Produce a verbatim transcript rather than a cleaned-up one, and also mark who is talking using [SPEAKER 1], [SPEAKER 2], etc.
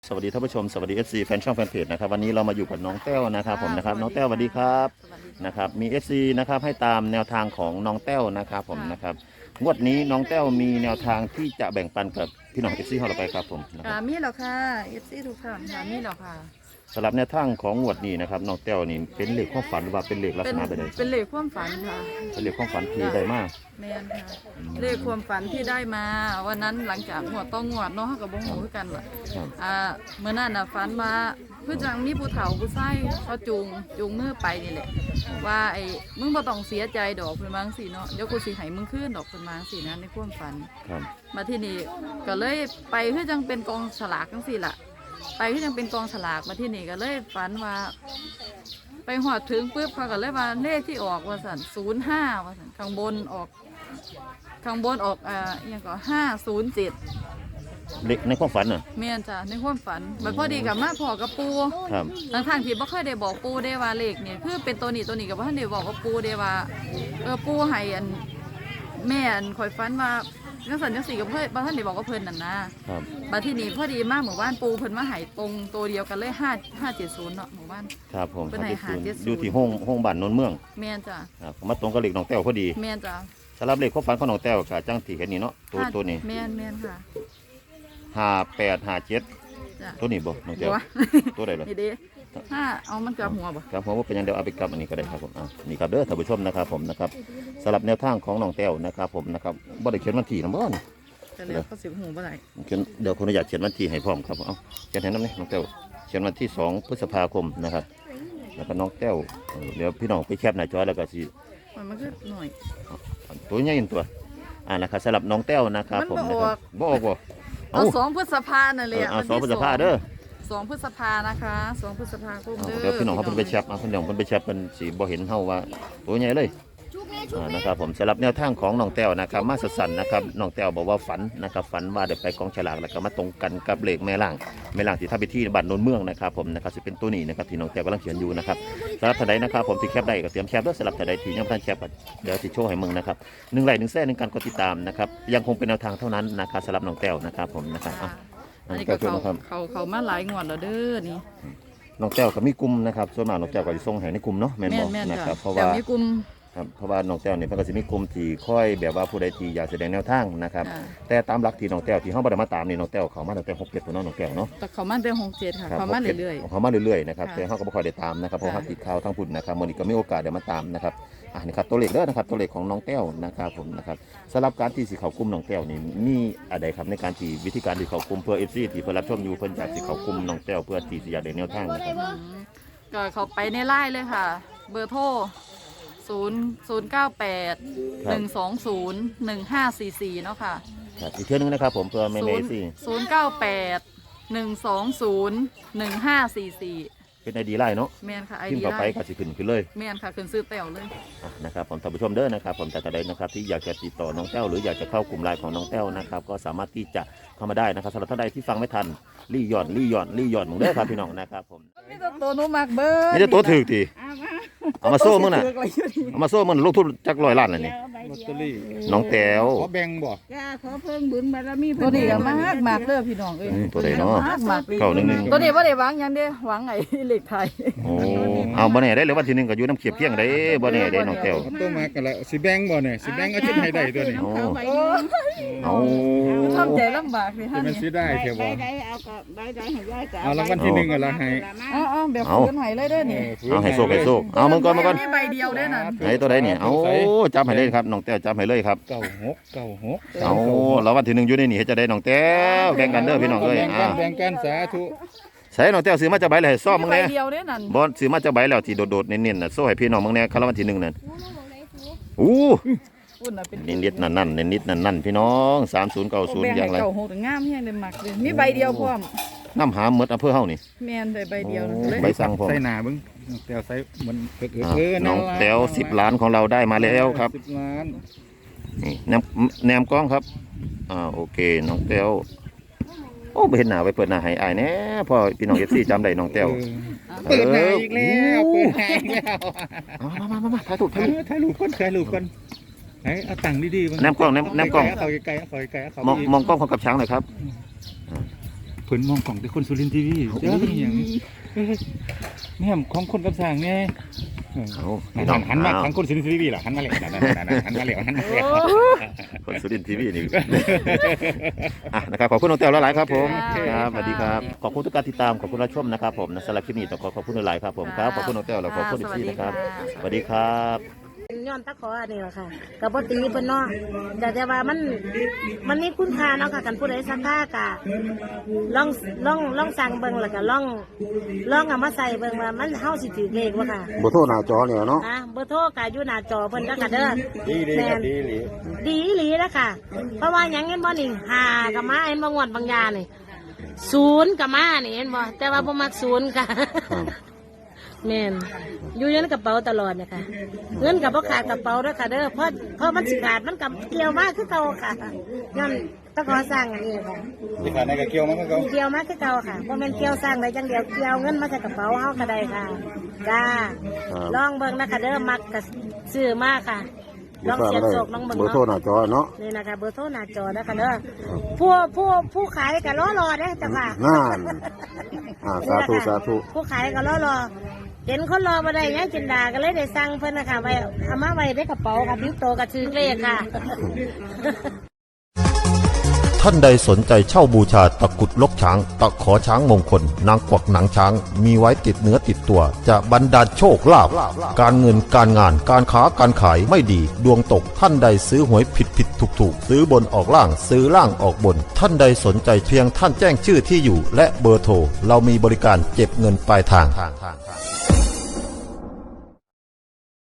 [SPEAKER 1] สวัสดีท่านผู้ชมสวัสดี เอฟ ซี แฟนช่องแฟนเพจนะครับวันนี้เรามาอยู่กับน้องแต้วนะครับผมนะครับน้องแต้วสวัสดีครับนะครับมี เอฟ ซี นะครับให้ตามแนวทางของน้องแต้วนะครับผมนะครับงวดนี้น้องแต้วมีแนวทางที่จะแบ่งปันกับพี่น้อง เอฟ ซี ของเราไปครับผมนะค
[SPEAKER 2] ค่ะ
[SPEAKER 1] รับ
[SPEAKER 2] มีแล้วค่ะเอฟซีทุกท่านค่ะมีแล้วค่ะ
[SPEAKER 1] สำหรับแนวทางของงวดนี้นะครับน้องแต้วนี่เป็นเลขความฝันหรือว่าเป็นเลขลัก
[SPEAKER 2] เป็
[SPEAKER 1] ษ
[SPEAKER 2] น
[SPEAKER 1] ณะใด
[SPEAKER 2] เป็นเลขความฝันค่ะ
[SPEAKER 1] ๆเป็นเลขความฝันที่ได้มาก
[SPEAKER 2] แมนค่ะเลขความฝันที่ได้มาวันนั้นหลังจากงวดต้องงวดเนาะเขากับบงหูคือกันล่ะ
[SPEAKER 1] ครับ
[SPEAKER 2] อ่าเมื่อนั้นน่ะฝันมาเพื่อจังมีผู้เฒ่าผู้ชายเขาจูงจูงมือไปนี่แหละว่าไอ้มึงบ่ต้องเสียใจดอกเพิ่นวาจั่งสิเนาะเดี๋ยวกูสิให้มึงคืนดอกเพิ่นวาจั่งสินะในความฝัน
[SPEAKER 1] ครับ
[SPEAKER 2] มาที่นี่ก็เลยไปเพื่อจังเป็นกองฉลากจังสิล่ะ ไปเพื่อจังเป็นกองฉลากมาที่นี่ก็เลยฝันว่า ไปหอดถึงปุ๊บเขาก็เลยว่าเลขที่ออกว่าสันศูนย์ห้าว่าสันข้างบนออก ข้างบนออกอ่าอหยังก็ห้าศูนย์เจ็ด
[SPEAKER 1] เลขในความฝันน่ะ
[SPEAKER 2] เมียนจ้ะในความฝันมันพอดีกับมาพอกับปู
[SPEAKER 1] ครับ
[SPEAKER 2] ทางทางที่บ่เคยได้บอกปูได้ว่าเลขเนี่ยคือเป็นตัวนี้ตัวนี้กับว่าท่านได้บอกกับปูได้ว่าเออปูให้อันแม่อันคอยฝันว่าจังสันจังสีกับเพื่อนบ่ท่านได้บอกกับเพิ่นนั่นนะครับ มาที่นี่พอดีมากหมู่บ้านปูเพิ่นมาให้ตรงตัวเดียวกันเลยห้าห้าเจ็ดศูนย์เนาะหมู่บ้าน
[SPEAKER 1] ครับผม
[SPEAKER 2] เป็นไหนหาเจ็ดศูนย์
[SPEAKER 1] อยู่ที่ห้องห้องบ้านโนนเมือง
[SPEAKER 2] เมียนจ้ะ
[SPEAKER 1] ครับมาตรงกับเลขน้องแต้วพอดี
[SPEAKER 2] เมียนจ้ะ
[SPEAKER 1] สำหรับเลขความฝันของน้องแต้วก็จังที่เห็นนี่เนาะตัวตัวนี้
[SPEAKER 2] เมียนเมียนค่ะ
[SPEAKER 1] ห้าแปดห้าเจ็ด
[SPEAKER 2] จ้ะ
[SPEAKER 1] ตัวนี้บ่น้องแต้ว
[SPEAKER 2] บัว
[SPEAKER 1] ตัวใดล่ะ
[SPEAKER 2] นี่เดิถ้าเอามันกลับหัวบ่
[SPEAKER 1] ครับผมว่าเป็นอยังเดียวเอาไปกลับอันนี้ก็ได้ครับผมอ่ะนี่ครับเด้อท่านผู้ชมนะครับผมนะครับสำหรับแนวทางของน้องแต้วนะครับผมนะครับบ่ได้เขียนวันที่นะบ่นี่
[SPEAKER 2] จะเรียกก็สิบหูบ่ได้
[SPEAKER 1] เขียนเดี๋ยวคนอยากเขียนวันที่ให้พร้อมครับผมเอาเขียนให้น้ำนี่น้องแต้วเขียนวันที่สองพฤษภาคมนะครับแล้วก็น้องแต้วเออเดี๋ยวพี่น้องไปแคปหน้าจอแล้วก็สิ
[SPEAKER 2] มันมันก็หน่อย
[SPEAKER 1] ตัวใหญ่อีกตัวอ่านะครับสำหรับน้องแต้วนะครับผมนะครับบ่ออกบ่
[SPEAKER 2] เอาสองพฤษภานั่น
[SPEAKER 1] เอ
[SPEAKER 2] เลย
[SPEAKER 1] อเอาสองพฤษภาเด้อ
[SPEAKER 2] สองพฤษภานะคะสองพฤษภาคม
[SPEAKER 1] เอา
[SPEAKER 2] เด้อ
[SPEAKER 1] เดี๋ยวพี่น้องเขาเพิ่นไปแชปเอาพี่น้องเพิ่นไปแชปเพิ่นสิบ่เห็นเฮาว่าตัวใหญ่เลยอ่านะครับผมสำหรับแนวทางของน้องแต้วนะครับมาสั้นๆนะครับน้องแต้วบอกว่าฝันนะครับฝันว่าได้ไปกองฉลากแล้วก็มาตรงกันกับเลขแม่ล่างแม่ล่างที่ทำพิธีบ้านโนนเมืองนะครับผมนะครับสิเป็นตัวนี้นะครับที่น้องแต้วกำลังเขียนอยู่นะครับสำหรับท่านใดนะครับผมที่แคปได้ก็เตรียมแคปด้วยสำหรับท่านใดที่ยังไม่ทันแคปก็เดี๋ยวสิโชว์ให้มึงนะครับหนึ่งไลค์หนึ่งแซ่หนึ่งการกดติดตามนะครับยังคงเป็นแนวทางเท่านั้นนะครับสำหรับน้องแต้วนะครับผมนะครับ
[SPEAKER 2] ค่ะ
[SPEAKER 1] เอา
[SPEAKER 2] อันนี้
[SPEAKER 1] ก็
[SPEAKER 2] ก็
[SPEAKER 1] คือ
[SPEAKER 2] เขา
[SPEAKER 1] นะครับ
[SPEAKER 2] เขาเขามาหลายงวดแล้วเด้อนี่
[SPEAKER 1] น้องแต้วก็มีกลุ่มนะครับส่วนมากน้องแต้วก็จะส่งให้ในกลุ่มเนาะแม่น
[SPEAKER 2] แม่
[SPEAKER 1] บ
[SPEAKER 2] น
[SPEAKER 1] อก
[SPEAKER 2] แม่น
[SPEAKER 1] นะ
[SPEAKER 2] จ้ะ
[SPEAKER 1] ครับเพราะ
[SPEAKER 2] แต่
[SPEAKER 1] ว่า
[SPEAKER 2] มีกลุ่ม
[SPEAKER 1] ครับเพราะว่าน้องแต้วเนี่ยเพิ่นก็สิมีกลุ่มที่ค่อยแบบว่าผู้ใดที่อยากแสดงแนวทางนะครับ
[SPEAKER 2] อ่า
[SPEAKER 1] แต่ตามหลักที่น้องแต้วที่เฮาบ่ได้มาตามนี่น้องแต้วเขามาตั้งแต่หกเจ็ดตัวเนาะน้องแต้วเนาะ
[SPEAKER 2] แต่เขามาเป็นหกเจ็ดค่ะ
[SPEAKER 1] ครับ
[SPEAKER 2] เขามา
[SPEAKER 1] หกจ็ด
[SPEAKER 2] เรื่อย
[SPEAKER 1] เขามาเรื่อยๆนะครับ
[SPEAKER 2] ค่ะ
[SPEAKER 1] แต่เฮาก็บ่ค่อยได้ตามนะครับเพราะว่า
[SPEAKER 2] ค่ะ
[SPEAKER 1] เฮาติดข่าวทางพุ่นนะครับมื้อนี้ก็มีโอกาสได้มาตามนะครับอ่านี่ครับตัวเลขเด้อนะครับตัวเลขของน้องแต้วนะครับผมนะครับสำหรับการที่สิเข้ากลุ่มน้องแต้วนี่มีอะไรครับในการที่วิธีการที่เข้ากลุ่มเพื่อ เอฟ ซี ที่เพิ่นรับชมอยู่เพิ่นอยากสิเข้ากลุ่มน้องแต้วเพื่อที่สิอยากได้แนวทางนะครับ
[SPEAKER 2] ๆอืมก็เขาไปในไลน์เลยค่ะ เบอร์โทรศูนย์ศูนย์เก้าแปดหนึ่งสองศูนย์หนึ่งห้าสี่สี่เนาะค่ะ
[SPEAKER 1] ครับอีกเทื่อนึงนะครับผมเพื่อแม่
[SPEAKER 2] ศู
[SPEAKER 1] เม
[SPEAKER 2] นย์
[SPEAKER 1] ซี่
[SPEAKER 2] ศูนย์เก้าแปดหนึ่งสองศูนย์หนึ่งห้าสี่สี่
[SPEAKER 1] เป็นไอดีไลน์เนาะ
[SPEAKER 2] แมนค่ะไอ
[SPEAKER 1] พิม
[SPEAKER 2] ดี
[SPEAKER 1] พ์เข้าไป
[SPEAKER 2] ไลน์
[SPEAKER 1] ก็สิขึ้นขึ้นเลย
[SPEAKER 2] แมนค่ะขึ้นซื้อแต้วเลย
[SPEAKER 1] อ่ะนะครับผมท่านผู้ชมเด้อนะครับผมแต่ท่านใดนะครับที่อยากจะติดต่อน้องแต้วหรืออยากจะเข้ากลุ่มไลน์ของน้องแต้วนะครับก็สามารถที่จะเข้ามาได้นะครับสำหรับท่านใดที่ฟังไม่ทันรีย่อนรีย่อนรีย่อนมึงเด้อครับพี่น้องนะครับผม
[SPEAKER 2] นี่ตัวหนูมักเบิร์
[SPEAKER 1] นี่จะตัวถือทีเอามาโซ่มึงน่ะเอามาโซ่มึงลงทุนจักร้อยล้านเลยนี่
[SPEAKER 3] ลอตเตอรี่
[SPEAKER 1] น้องแต้ว
[SPEAKER 3] ขอแบ่งบ่
[SPEAKER 4] จ้าขอเพิ่งบุญบารมี
[SPEAKER 2] ตัวนี้ก็มากมากเลยพี่น้องเอ้ย
[SPEAKER 1] อืมตัวใดเนาะ
[SPEAKER 2] มากมากเลย
[SPEAKER 1] เก้าหนึ่งหนึ่ง
[SPEAKER 2] ตัวนี้ว่าได้หวังหยังเด้หวังไอ้เหล็กไทย
[SPEAKER 1] โอ้เอาบ่แน่ได้เลยวันที่หนึ่งก็อยู่น้ำเขียบเพียงได้บ่แน่ได้น้องแต้ว
[SPEAKER 3] เอาตัวมากันแล้วสิแบ่งบ่เนี่ยสิแบ่งเอาชิ้นให้ได้ตัวนี้
[SPEAKER 1] โอ้
[SPEAKER 4] ใบ
[SPEAKER 1] เอา
[SPEAKER 2] ทำใจลำบากเลย
[SPEAKER 3] จะ
[SPEAKER 2] ฮะ
[SPEAKER 3] มัน
[SPEAKER 2] นี่
[SPEAKER 3] สิได้แค่
[SPEAKER 4] ใบ
[SPEAKER 3] บ่
[SPEAKER 4] ใดเอากับใบใดให้ยายจ้า
[SPEAKER 3] เอารางวัลที่หนึ่งเอาละให้
[SPEAKER 2] อ๋ออ๋อแบบฟื้นไหเลยเด้อนี่
[SPEAKER 1] เอาให้โซ่ให้โซ่เอามึงก่อนมึงก่อน
[SPEAKER 2] มีใบเดียวเด้อนั่น
[SPEAKER 1] ไหนตัวใดเนี่ยเอาจับให้เลยครับน้องแต้วจับให้เลยครับ
[SPEAKER 3] เก้าหกเก้าหก
[SPEAKER 1] เอาแล้ววันที่หนึ่งอยู่ในนี่เฮ็ดจะได้น้องแต้วแบ่งกันเด้อพี่น้องเอ้ย
[SPEAKER 3] แบ่งกั
[SPEAKER 1] อ่าน
[SPEAKER 3] แบ่งกันสาธุ
[SPEAKER 1] ใส่น้องแต้วซื้อมาจะใบเลยให้ซ่อมมึง
[SPEAKER 2] ใบ
[SPEAKER 1] แน่
[SPEAKER 2] เดียวเด้อนั่น
[SPEAKER 1] บ่ซื้อมาจะใบแล้วที่โดดๆเน้นๆน่ะโซ่ให้พี่น้องมึงแน่คาราวันที่หนึ่งนั่นอู้
[SPEAKER 2] อุ่นน่ะเป็น
[SPEAKER 1] นิดๆนั่นๆนิดๆนั่นๆพี่น้องสามศูนย์เก้าศูนย์อย่างไร
[SPEAKER 2] เก่าโหดงามแฮงเลยมักเลยมีใบเดียวพร้อม
[SPEAKER 1] น้ำหาหมดอำเภอเฮานี่
[SPEAKER 2] แม่นได้ใบเดียวนะเลย
[SPEAKER 1] ใบสั่งพร้อม
[SPEAKER 3] ใส่หน้าเบิ่งแต้วใส่มันเออ
[SPEAKER 1] อ่ะ
[SPEAKER 3] เออ
[SPEAKER 1] น้องแต้วสิบล้านของเราได้มาแล้วครับ
[SPEAKER 3] สิบล้าน
[SPEAKER 1] นี่แนมแนมกล้องครับอ่าโอเคน้องแต้วโอ้ไปเห็นหน้าไปเปิดหน้าให้อายแน่พ่อพี่น้อง เอฟ ซี จำได้น้องแต้ว
[SPEAKER 3] เออเปิดหน้าอีกแล้วเปิดหน้าอีกแล้ว
[SPEAKER 1] เอามามามามาถ่ายถูก
[SPEAKER 3] เอ
[SPEAKER 1] ถ่ายถูก
[SPEAKER 3] อถ่ายรูปก่อนถ่ายรูปก่อนไหนเอาตังค์ดีๆ
[SPEAKER 1] แนมกล้องแนมแนมกล้อง
[SPEAKER 3] เอาไกลๆเอาไกลๆเอาเขา
[SPEAKER 1] มอง
[SPEAKER 3] อีก
[SPEAKER 1] มองกล้องของกับช้างหน่อยครับ
[SPEAKER 3] พิ่นมองของแต่คนสุรินทร์ทีวีเจ้าเป็นหยังเอ้ยแม่มของคนกับสร้างไงเออ
[SPEAKER 1] เอา
[SPEAKER 3] หั
[SPEAKER 1] พี่
[SPEAKER 3] น
[SPEAKER 1] น้อง
[SPEAKER 3] หันมา
[SPEAKER 1] เอา
[SPEAKER 3] ทางคนสุรินทร์ทีวีล่ะหันมาแล้วนั่นๆๆหันมาแล้วหันมาแล้ว
[SPEAKER 1] คนสุรินทร์ทีวีนี่ อ่ะนะครับขอบคุณน้องแต้วหลายๆครับผม
[SPEAKER 2] ค่ะ
[SPEAKER 1] ครับสวัสดีครับขอบคุณทุกการติดตามขอบคุณรับชมนะครับผมนะสำหรับคลิปนี้ต้องขอขอบคุณหลายๆครับผมครับขอบคุณน้องแต้วและขอบคุณอีกทีนะครับสวัสดีครับ
[SPEAKER 5] เป็นย้อนตะขออันนี้แหละค่ะกับปตีเพิ่นเนาะแต่แต่ว่ามันมันมีคุณค่าเนาะค่ะกันผู้ใดสักค่ากะลองลองลองสั่งเบิ่งแล้วก็ลองลองเอามาใส่เบิ่งว่ามันเฮาสิถือเลขบ่ค่ะ
[SPEAKER 6] บ่โทรหน้าจอเนี่ยเนาะ
[SPEAKER 5] นะเบอร์โทรก็อยู่หน้าจอเพิ่นแล้วก็เด้อ
[SPEAKER 3] ดีดีครับดีดี
[SPEAKER 5] ดีอีหลีแล้วค่ะ เพราะว่าหยังเห็นบ่นี่หากับมาเห็นบ่งวดบางยานี่ศูนย์กับมานี่เห็นบ่แต่ว่าบ่มักศูนย์ค่ะ แม่นอยู่ในกระเป๋าตลอดเนี่ยค่ะเงินกับพ่ขาดกระเป๋าด้วยค่ะเด้อเพราะเพราะมันสิขาดมันกับเกี่ยวมากคือเก่าค่ะย้อนตะขอสร้างอันนี้ค่ะ
[SPEAKER 3] ที่ขาดในกระเกี่ยวมันก็
[SPEAKER 5] เกี่ยวมากคือเก่าค่ะเพราะมันเกี่ยวสร้างได้จังเดียวเกี่ยวเงินมาจากกระเป๋าเฮาก็ได้ค่ะจ้าลองเบิ่งนะคะเด้อมักกับซื้อมากค่ะลองเสียบโศกลองเบิ่ง
[SPEAKER 6] เบอร์โทร
[SPEAKER 5] เนาะ
[SPEAKER 6] หน้าจอเนาะ
[SPEAKER 5] นี่นะคะเบอร์โทรหน้าจอนะคะเด้อผู้ผู้ผู้ขายก็รอรอเด้อจ้ะค่ะ
[SPEAKER 6] นั่นอ่าสาธุสาธุ
[SPEAKER 5] ผู้ขายก็รอรอเห็นคนรอมาได้ยังจินดาก็เลยได้สั่งเพิ่นนะคะไว้เอามาไว้ในกระเป๋าค่ะทิ้งโตกับซื้อเลขค่ะ
[SPEAKER 7] ท่านใดสนใจเช่าบูชาตะกรุดลกช้าง ตะขอช้างมงคล นางกวักหนังช้าง มีไว้ติดเนื้อติดตัว จะบรรดาลโชคลาภการเงินการงานการค้าการขายไม่ดี ดวงตกท่านใดซื้อหวยผิดผิดถูกถูกซื้อบนออกล่างซื้อล่างออกบน ท่านใดสนใจเพียงท่านแจ้งชื่อที่อยู่ และเบอร์โทรเรามีบริการเก็บเงินปลายทาง